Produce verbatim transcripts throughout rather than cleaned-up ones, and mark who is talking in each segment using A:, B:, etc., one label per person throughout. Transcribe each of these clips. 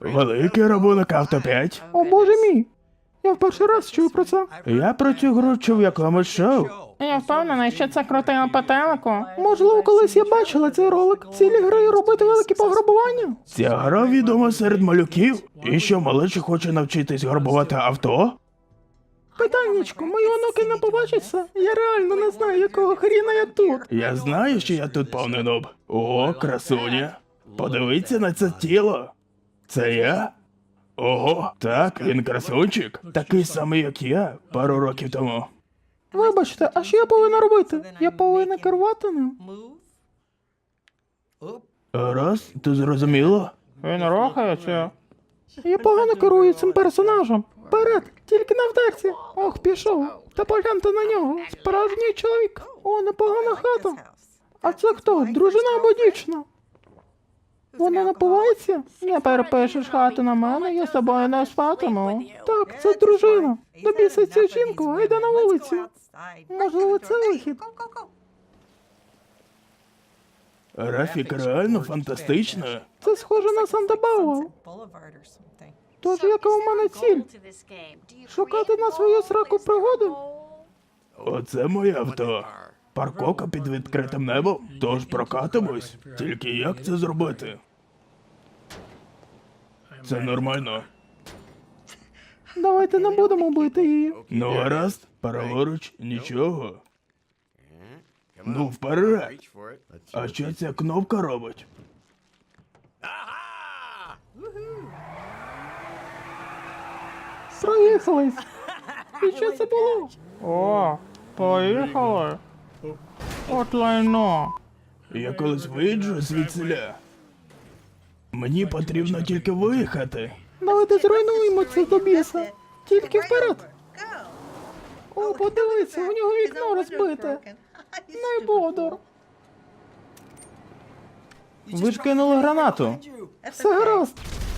A: Великий рахунок авто п'ять.
B: О боже мій! Я в перший раз чую про це.
A: Я про цю гру чув в якомусь шоу.
B: Я впевнена, що це крутило по телеку. Можливо, колись я бачила цей ролик. Цілі гри робити великі пограбування.
A: Ця гра відома серед малюків. І що, малечі хоче навчитись грабувати авто?
B: Питаннячко, мої онуки не побачаться. Я реально не знаю, якого хріна я тут.
A: Я знаю, що я тут повний нуб. О, красуня. Подивіться на це тіло. Це я? Ого, так, він красунчик. Такий самий, як я, пару років тому.
B: Вибачте, а що я повинна робити? Я повинна керувати ним.
A: Раз, ти зрозуміло?
B: Він рухається. Я погано керую цим персонажем. Вперед, тільки не вдерці. Ох, пішов. Та погляньте на нього. Справжній чоловік. О, непогана хата. А це хто? Дружина або дівчина? Вона напивається? Не перепишеш хату на мене, я з тобою не спатиму. Так, це дружина. Добійся цю жінку, а йде на вулицю. Можливо, це вихід.
A: Рафік реально фантастично.
B: Це схоже на Санта-Бауа. Тож яка у мене ціль? Шукати на свою сраку пригоду?
A: Оце моє авто. Парковка під відкритим небом, тож прокатимось. Тільки як це зробити? Це нормально.
B: Давайте не будемо бити її.
A: Ну гаразд, праворуч, нічого. Ну вперед. А що ця кнопка робить?
B: Проїхались. І що це було? О, поїхали. От лайно.
A: Я колись виїжджу звідсиля. Мені потрібно тільки виїхати.
B: Давайте зруйнуємо це до біса. Тільки вперед. О, подивися, у нього вікно розбите. Не бодор.
A: Ви ж кинули гранату.
B: Все гаразд.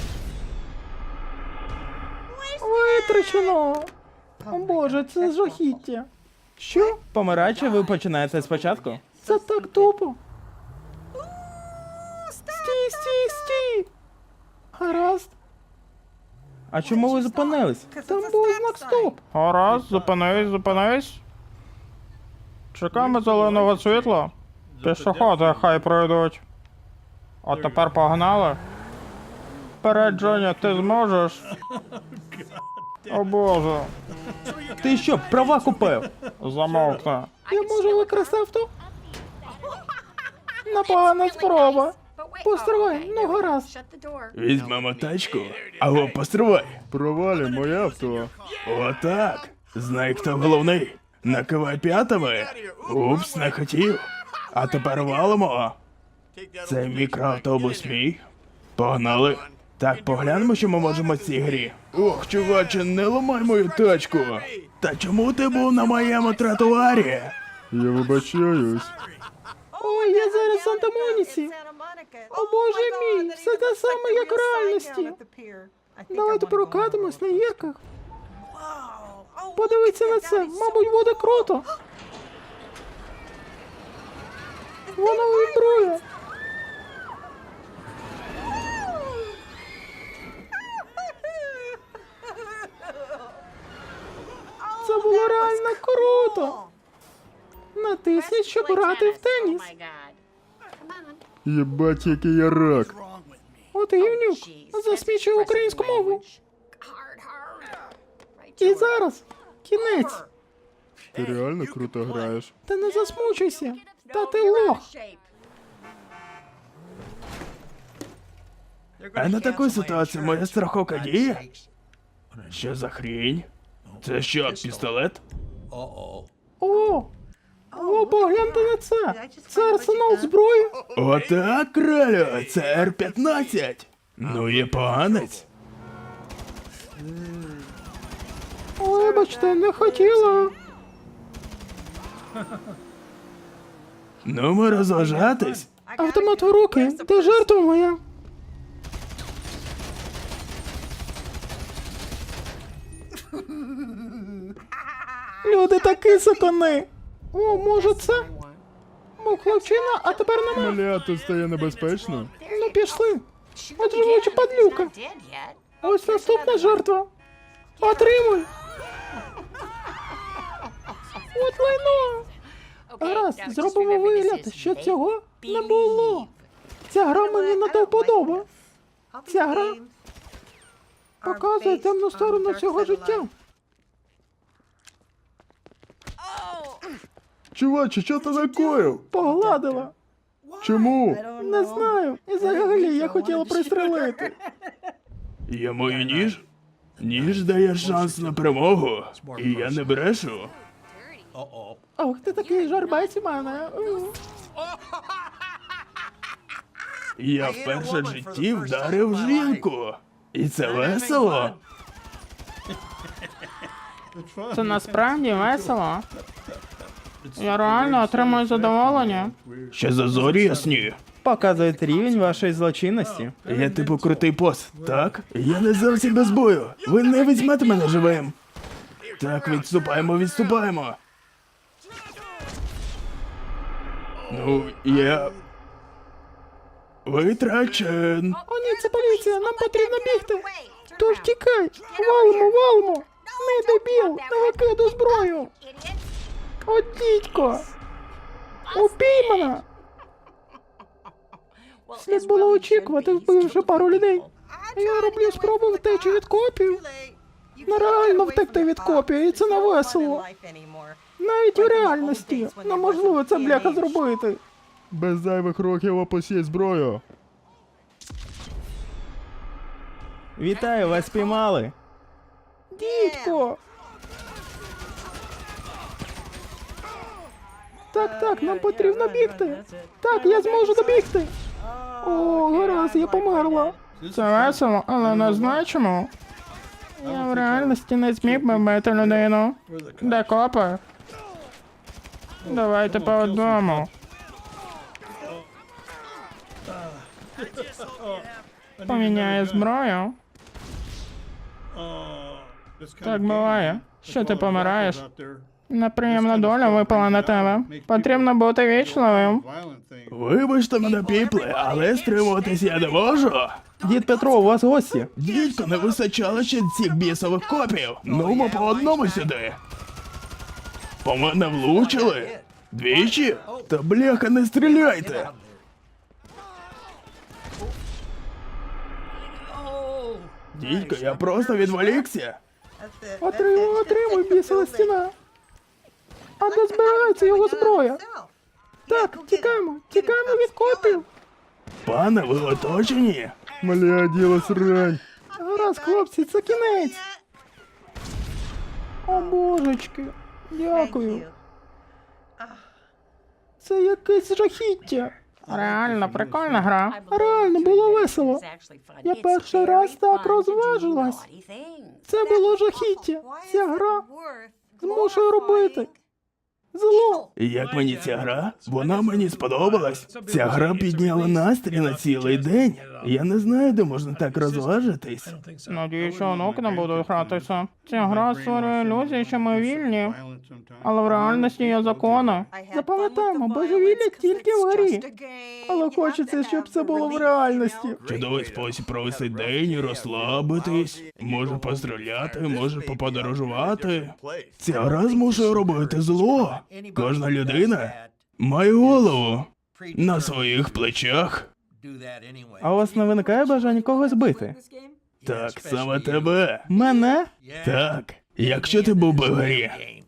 B: Витрачено. О боже, це жахіття. Що?
A: Помираючи, ви починаєте спочатку?
B: Це так тупо. Стій, стій, стій. Гаразд.
A: А чому ви зупинились?
B: Там був знак стоп.
C: Гаразд, зупинись, зупинись. Чекаємо зеленого світла. Пішоходи хай пройдуть. А тепер погнали. Вперед, Джоні, ти зможеш? О боже,
A: Ти що, права купив?
C: замовкни.
B: Я можу викрасти авто? Непогана спроба. Постривай, ну гаразд.
A: Візьмемо тачку. Або постривай. Провалі моє авто. Отак. Знай, хто головний. Накивай п'ятами. Упс, не хотів. А тепер валимо. Це мікроавтобус мій. Погнали. Так, поглянемо, що ми можемо в цій грі. Ох, чуваче, не ламай мою тачку. Та чому ти був на моєму тротуарі?
C: Я вибачаюсь.
B: Ой, я зараз в Санта-Моніці. О боже мій, все те саме, як в реальності. Давайте прокатимось на гірках. Подивіться на це, мабуть, буде круто. Воно вібрує. Це було реально круто. Натисніть, щоб грати в теніс.
C: Єбать, який я рак.
B: От гівнюк, засмічує українську мову. І зараз кінець.
C: Ти реально круто граєш.
B: Та не засмучуйся. Та ти лох.
A: А на таку ситуацію моя страховка діє? Що за хрінь? Це що, пістолет?
B: О! О, погляньте на це! Це арсенал зброї?
A: Отак, кралю, це Р п'ятнадцять. Ну є поганець.
B: Вибачте, не хотіла.
A: Ну ми розважатись.
B: Автомат в руки, ти жертва моя. Люди такі сатани. О, може це? Мов хлопчина, а тепер нема.
C: Бля, тут стає небезпечно.
B: Ну пішли. От живуча падлюка. Ось наступна жертва. Отримуй. От лайно. Гаразд, зробимо вигляд, що цього не було. Ця гра мені не до вподоби. Ця гра показує темну сторону цього життя.
C: Чуваче, що ти накоїв?
B: Погладила.
C: Чому?
B: Не знаю. І взагалі я хотіла пристрелити.
A: Я маю ніж? Ніж дає шанс на перемогу. І я не брешу.
B: Ох, ти такий жарбець у мене.
A: Я вперше в житті вдарив жінку. І це весело.
B: Це насправді весело. Я реально отримую задоволення.
A: Ще за зорі ясні.
B: Показують рівень вашої злочинності.
A: Я типу крутий бос, так? Я не зовсім без бою. Ви не візьмете мене живим. Так, відступаємо, відступаємо. Ну, я... Витрачен.
B: О ні, це поліція, нам потрібно бігти. Тож тікай, валимо, валимо. Не дебіл, не викидай зброю. От дідько. Упіймана. Слід було очікувати, вбивши пару людей. Я роблю спробу втечі від копів. Нереально втекти від копів, і це не весело. Навіть у реальності неможливо це, бляха, зробити.
C: Без зайвих років опусіть зброю.
B: Вітаю, вас спіймали. Дідько! Так, так, нам потрібно бігти. Так, я зможу добігти. О, гаразд, я померла. Це весело, але не значимо. Я в реальності не зміг би вбити людину. Де копи? Давайте по одному. Поміняю зброю. Так буває. Що ти помираєш? Неприємна доля випала на тебе. Потрібно бути вічливим.
A: Вибачте мене, піпле, але стримуватись я не можу.
B: Дід Петро, у вас гості.
A: Дідько, не вистачало ще цих бісових копів. Ну, ми по одному сюди. По мене влучили? Двічі? Та бляха, не стріляйте. Дідько, я просто відволікся.
B: Отримуй, отримуй, бісова стіна. А де збирається його зброя? Так, тікаємо, тікаємо від копів.
A: Пане, ви оточені?
C: Маля, діло срань.
B: Гаразд, хлопці, це кінець. О, божечки, дякую. Це якесь жахіття. Реально, прикольна гра. Реально, було весело. Я перший раз так розважилась. Це було жахіття. Ця гра змушує робити зло.
A: Як мені ця гра? Вона мені сподобалась. Ця гра підняла настрій на цілий день. Я не знаю, де можна так розважитись.
B: Надію, що онуки не будуть гратися. Ця гра створює ілюзію, що ми вільні. Але в реальності є закони. Запам'ятаємо, божевілля тільки в грі. Але хочеться, щоб це було в реальності.
A: Чудовий спосіб провести день, розслабитись, може постріляти, може поподорожувати. Ця гра змушує робити зло. Кожна людина має голову на своїх плечах.
B: А у вас не виникає бажання когось бити?
A: Так, саме тебе.
B: Мене?
A: Так. Якщо ти був би в грі,